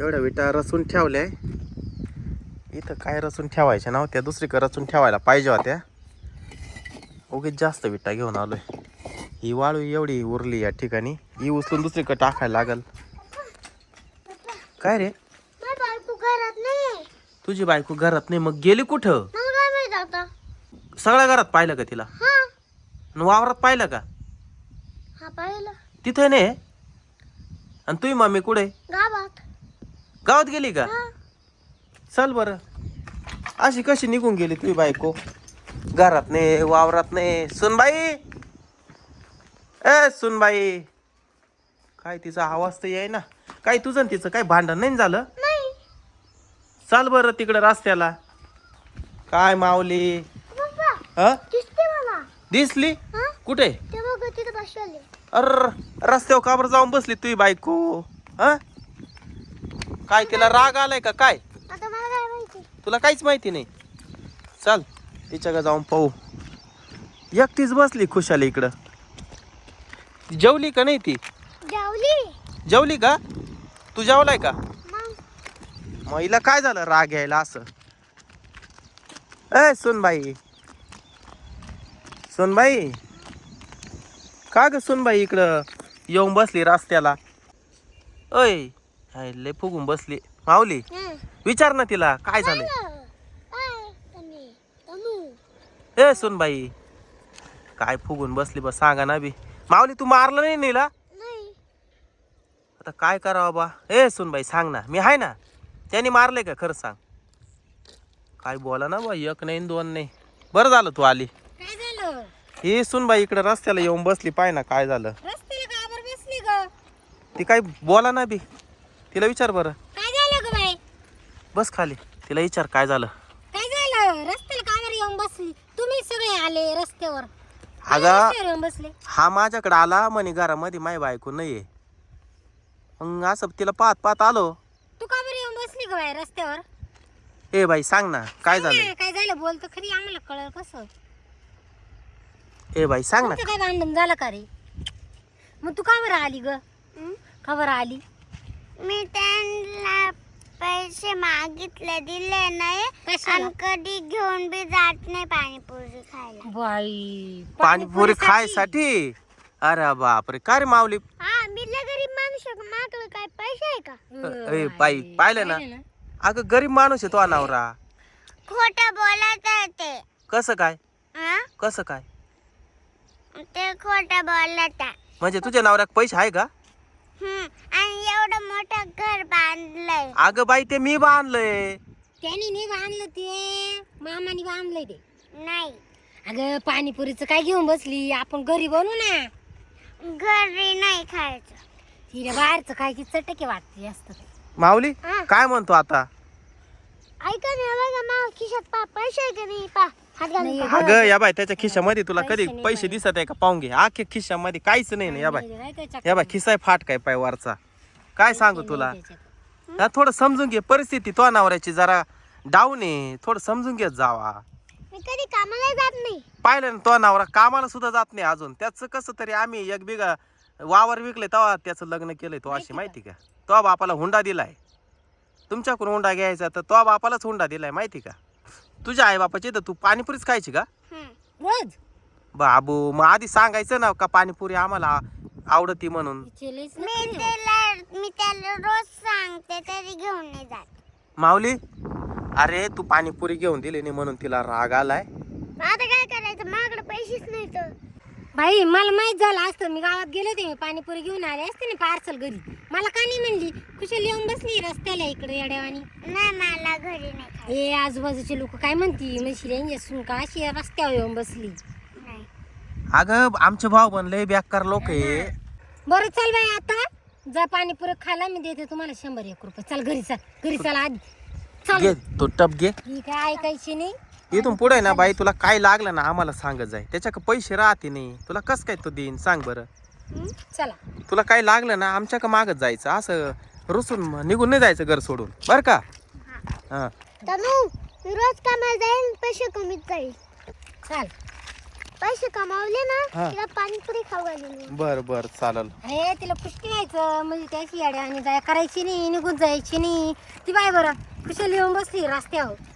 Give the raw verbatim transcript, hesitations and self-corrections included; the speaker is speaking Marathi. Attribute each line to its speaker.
Speaker 1: एवढ्या विटा रचून ठेवल्या. इथं काय रचून ठेवायच्या नव्हत्या, दुसरीकडे रचून ठेवायला पाहिजे होत्या. उगीच जास्त विटा घेऊन आलोय. ही वाळू एवढी उरली या ठिकाणी, ही उचलून दुसरीकडे टाकायला लागल. काय रे, तुझी बायको घरात नाही? मग गेली कुठं? सगळ्या घरात पाहिलं का तिला? वावरात पाहिलं का? तिथे नाही. आणि तुझी मम्मी कुठे?
Speaker 2: गावात.
Speaker 1: गावात गेली का? चल बर. अशी कशी निघून गेली तुझी बायको? घरात नाही, वावरात नाही. सुनबाई, ए सुनबाई, काय तिचा आवाज तर याय ना. काय तुझं तिचं काय भांडण नाही झालं? चाल बरं तिकडे रस्त्याला. काय माऊली? हा दिसली कुठे? अर रस्त्यावर का बरं जाऊन बसली तुझी बायको? हा काय तिला राग आलाय का काय? तुला काहीच माहिती नाही. चल तिच्याकडे जाऊन पाहू. एकटीच बसली खुशाली इकडं. जेवली का नाही ती?
Speaker 2: जेवली.
Speaker 1: जेवली का? तू जेवलाय का? मग हिला काय झालं राग यायला असं? ए सुनबाई, सुनबाई, का ग सुनबाई इकडं येऊन बसली रस्त्याला? अय लय फुगून बसली. माऊली विचार ना तिला काय झालंय. ए सुनबाई, काय फुगून बसली बस, सांगा ना बी. माऊली तू मारलं नाही नीला? आता काय करावं बा. ए सुनबाई सांग ना, मी आहे ना. त्याने मारले का खरं सांग. काय बोला ना बा, एक नाही दोन नाही. बरं झालं तू आली.
Speaker 2: काय झालं?
Speaker 1: ही सुनबाई इकडे रस्त्याला येऊन बसली. पाय ना काय झालं.
Speaker 2: रस्त्याला का बरं बसली ग?
Speaker 1: ती काय बोला ना बी. तिला विचार बरं.
Speaker 2: काय झालं ग बाई?
Speaker 1: बस खाली, तिला विचार काय झालं.
Speaker 2: काय झालं? रस्त्याला का बरं येऊन बसली? तुम्ही सगळे आले रस्त्यावर.
Speaker 1: अगं
Speaker 2: येऊन बसले.
Speaker 1: हा माझ्याकडे आला म्हणे घरामध्ये माय बायको नाहीये. मग असं तिला पाहत पाहत आलो.
Speaker 2: तू का बरं येऊन बसली ग बाई रस्त्यावर?
Speaker 1: ए बाई सांग ना काय झालं.
Speaker 2: काय झालं बोलतो खरी, आम्हाला कळलं कसं.
Speaker 1: ए बाई सांग ना.
Speaker 2: काय भांडण झालं का रे? मग तू का बरं आली ग? का बरं आली?
Speaker 3: मी त्यांना पैसे मागितले, दिले नाही. आणि कधी घेऊन बी जात नाही पाणीपुरी खायला.
Speaker 2: बाई
Speaker 1: पाणीपुरी खायसाठी? अरे बापरे, काय रे माऊली?
Speaker 3: हा मी लय गरीब माणूस आहे, माझ्याकडे काय पैसे आहे का?
Speaker 1: ए बाई पाहिलं ना. अगं गरीब माणूस आहे तो नवरा.
Speaker 3: खोटं बोलत आहे ते.
Speaker 1: कसं काय?
Speaker 3: हा?
Speaker 1: कसं काय?
Speaker 3: ते खोटं बोलत आहे.
Speaker 1: म्हणजे तुझ्या नवऱ्याक पैसे आहे का?
Speaker 3: हम्म. आणि एवढं मोठं घर बांधलंय.
Speaker 1: अगं बाई ते मी बांधलंय.
Speaker 2: त्याने नाही बांधलं, ते मामाने बांधलंय ते.
Speaker 3: नाही
Speaker 2: अगं पाणीपुरीचं काय घेऊन बसली? आपण घरी बनवू ना.
Speaker 3: घरी नाही खायचं.
Speaker 2: तिला बाहेरचं काय की चटके वाटते जास्त.
Speaker 1: माऊली काय म्हणतो आता?
Speaker 3: ऐका ना बघा, मा खिशात पा पैसे आहे का नाही पा. हात घालून पहा.
Speaker 1: अगं या बाई त्याच्या खिशामध्ये तुला कधी पैसे दिसत आहे का? पाहून घे. आखे खिशामध्ये काहीच नाही ना. या बाई या बाई खिसा फाट काय पाय वरचा. काय सांगू तुला. हा थोडं समजून घे परिस्थिती. तो नवऱ्याची जरा डाऊन आहे, थोडं समजून घेत जावा.
Speaker 3: मी कधी कामाला जात नाही.
Speaker 1: पाहिलं ना तो नवरा कामाला सुद्धा जात नाही अजून. त्याचं कसं तरी आम्ही एक बिघा वावर विकले तेव्हा त्याचं लग्न केलंय. तो अशी माहिती का? तो बापाला हुंडा दिलाय. तुमच्याकडून हुंडा घ्यायचा तर तो बापालाच हुंडा दिलाय माहिती का? तुझ्या आई बापाची तर तू पाणीपुरीच खायची का
Speaker 2: रोज?
Speaker 1: बाबू मग आधी सांगायचं ना का पाणीपुरी आम्हाला आवडती म्हणून.
Speaker 3: मी त्याला मी त्याला रोज सांगते तरी घेऊन नाही जात.
Speaker 1: माऊली अरे तू पाणीपुरी घेऊन दिली नाही म्हणून तिला राग आलाय.
Speaker 3: आता काय करायचं, माझ्याकडे पैसेच नाही तर.
Speaker 2: बाई मला माहित झालं असतं, मी गावात गेले होते, मी पाणीपुरी घेऊन आले असते ना पार्सल घरी. मला का नाही म्हणली? कुशल येऊन बसली रस्त्याला इकडे येड्यावानी.
Speaker 3: नाही मला घरी नाही खायचं.
Speaker 2: हे आजूबाजूचे लोक काय म्हणती म्हणशील सुन का अशी रस्त्यावर येऊन बसली.
Speaker 3: नाही
Speaker 1: अगं आमचे भाऊ बनले बेकार लोक आहे.
Speaker 2: बरं चल बाई, आता जा पाणीपुरी खायला, मी देते तुम्हाला शंभर एक रुपये. चल घरी चल, घरी चल आधी चल.
Speaker 1: घे तो टप घे.
Speaker 2: ही काय ऐकायची नाही.
Speaker 1: इथून पुढे ना बाई तुला काय लागलं ना आम्हाला सांगत जाय. त्याच्या पैसे राहते नाही तुला कस काय तो देईन सांग बरं.
Speaker 2: चला
Speaker 1: तुला काय लागलं ना आमच्या का मागत जायचं, असं रुसून निघून नाही जायचं घर सोडून बरं का. हा
Speaker 3: तनू मी रोज कामाला जाईल, पैसे कमीच जाईल.
Speaker 2: चल.
Speaker 3: पैसे कमावले ना
Speaker 1: हा.
Speaker 3: तिला पाणीपुरी खाऊ घालली.
Speaker 1: बर बर चालेल.
Speaker 2: हे तिला पुष्टी व्हायचं म्हणजे त्याची येड्या आणि जाय करायची नाही, निघून जायची नाही. ती बाय बरं कुशल येऊन बसली रस्त्यावर.